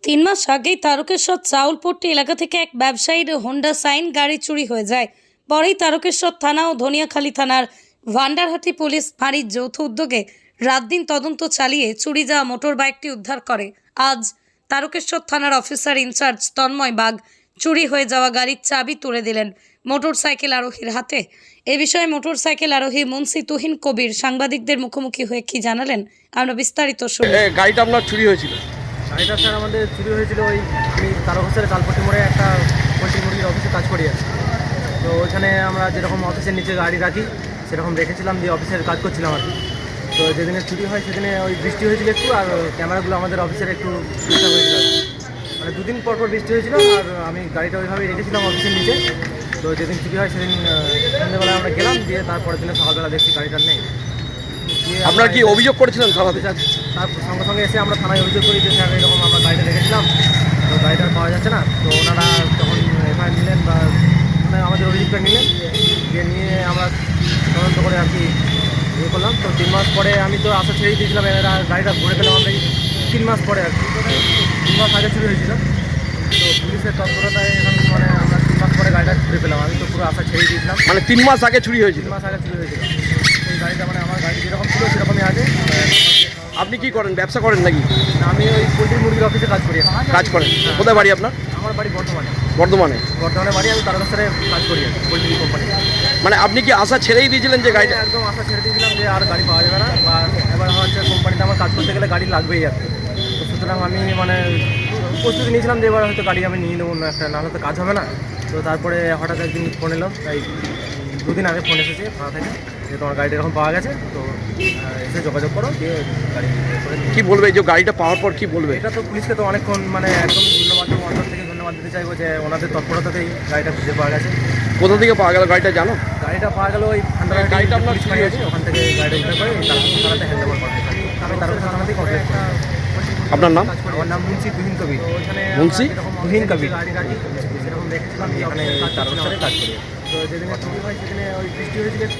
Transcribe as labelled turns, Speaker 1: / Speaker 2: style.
Speaker 1: তিন মাস আগেই তারকেশ্বর চাউলপট্টি এলাকা থেকে এক ব্যবসায়ীর হোন্ডা সাইন গাড়ি চুরি হয়ে যায়। পরেই তারকেশ্বর থানা ও ধনিয়াখালী থানার ভান্ডারহাটি পুলিশ ফাঁড়ির যৌথ উদ্যোগে রাত দিন তদন্ত চালিয়ে চুরি যাওয়া মোটর বাইকটি উদ্ধার করে। আজ তারকেশ্বর থানার অফিসার ইনচার্জ তন্ময় বাগ চুরি হয়ে যাওয়া গাড়ির চাবি তুলে দিলেন মোটরসাইকেল আরোহীর হাতে। এ বিষয়ে মোটরসাইকেল আরোহী মুন্সি তুহিন কবির সাংবাদিকদের মুখোমুখি হয়ে কি জানালেন আমরা বিস্তারিত শুনি।
Speaker 2: গাড়িটা আপনার চুরি হয়েছিল?
Speaker 3: গাড়িটা স্যার আমাদের চুরি হয়েছিল ওই আমি তারকেশ্বরের চালপট্টি মোড়ে একটা পোলট্রি মুরগির অফিসে কাজ করি আছি। তো ওইখানে আমরা যেরকম অফিসের নিচে গাড়ি রাখি সেরকম রেখেছিলাম, দিয়ে অফিসের কাজ করছিলাম আর কি। তো যেদিনে চুরি হয় সেদিনে ওই বৃষ্টি হয়েছিল একটু, আর ক্যামেরাগুলো আমাদের অফিসের একটু ডিস্টার্ব হয়েছিল আর কি। মানে দুদিন পর বৃষ্টি হয়েছিল, আর আমি গাড়িটা ওইভাবেই রেখেছিলাম অফিসের নিচে। তো যেদিন চুরি হয় সেদিন সন্ধ্যেবেলায় আমরা গেলাম, দিয়ে তারপরের দিনে সকালবেলা দেখছি গাড়িটা নেই।
Speaker 2: আপনারা কি অভিযোগ করেছিলেন থানাতে?
Speaker 3: তার সঙ্গে সঙ্গে এসে আমরা থানায় অভিযোগ করি যে স্যার এরকম আমরা গাড়িটা রেখেছিলাম, তো গাড়িটা পাওয়া যাচ্ছে না। তো ওনারা যখন এফআইআর নিলেন বা মানে আমাদের অভিযোগটা নিলেন, নিয়ে আমরা তদন্ত করে আর কি ইয়ে করলাম। তো 3 মাস পরে আমি তো আশা ছেড়েই দিয়েছিলাম, এরা গাড়িটা ভরে পেলাম আমরা এই 3 মাস পরে আর কি। 3 মাস আগে চুরি হয়েছিল, তো পুলিশের তৎপরতায় এখন মানে আমরা 3 মাস পরে গাড়িটা ঘুরে পেলাম। আমি তো পুরো আশা ছেড়েই দিয়েছিলাম।
Speaker 2: মানে 3 মাস আগে চুরি হয়েছিল?
Speaker 3: 3 মাস আগে চুরি হয়েছিল। এই গাড়িটা মানে আমার গাড়ি যেরকম ছিল সেরকমই আছে।
Speaker 2: আপনি কি করেন, ব্যবসা করেন নাকি?
Speaker 3: আমি ওই পোলট্রি মুরগির অফিসে কাজ করি।
Speaker 2: কাজ করেন? কোথায় বাড়ি আপনার?
Speaker 3: আমার বাড়ি বর্ধমানে।
Speaker 2: বর্ধমানে
Speaker 3: বাড়ি, আমি তারকেশ্বরে কাজ করি পোলট্রি কোম্পানি।
Speaker 2: মানে আপনি কি আশা ছেড়েই দিয়েছিলেন যে গাড়িটা?
Speaker 3: একদম আশা ছেড়ে দিয়েছিলাম যে আর গাড়ি পাওয়া যাবে না, বা এবার হচ্ছে কোম্পানিতে আমার কাজ করতে গেলে গাড়ি লাগবেই আর কি। তো সুতরাং আমি মানে প্রস্তুতি নিয়েছিলাম যে এবার হয়তো গাড়ি আমি নিয়ে নেবো না একটা, নাহলে তো কাজ হবে না। তো তারপরে হঠাৎ একদিন ফোন এলো, এই 2 দিন আগে ফোন এসেছে থানা থেকে যে তোমার গাড়িটা এরকম পাওয়া গেছে, তো এসে যোগাযোগ করো, দিয়ে গাড়ি করে।
Speaker 2: কি বলবে এই যে গাড়িটা পাওয়ার পর, কি বলবে?
Speaker 3: এটা তো পুলিশকে তো অনেকক্ষণ মানে একদম ধন্যবাদ, অন্তর থেকে ধন্যবাদ দিতে চাইবো যে ওনাদের তৎপরতাতেই গাড়িটা খুঁজে পাওয়া গেছে।
Speaker 2: কোথা থেকে পাওয়া গেল গাড়িটা জানো?
Speaker 3: গাড়িটা পাওয়া গেল ওই ভান্ডারহাটি
Speaker 2: গাড়িটা আপনার
Speaker 3: পুলিশ ফাঁড়ি আছে, ওখান থেকে গাড়িটা উদ্ধার করে তারকেশ্বর থানাতে হ্যান্ড ওভার করা হয়। আমি তারকেশ্বর থানা থেকে কমপ্লেন করি।
Speaker 2: আপনার নাম?
Speaker 3: আমার নাম মুন্সি তুহিন কবির।
Speaker 2: মুন্সি
Speaker 3: তুহিন কবির। সেরকম দেখেছিলাম যে এখানে তারকেশ্বরে কাজ করি। তো যেদিনে চুরি হয় সেদিনে ওই বৃষ্টি হয়েছিল।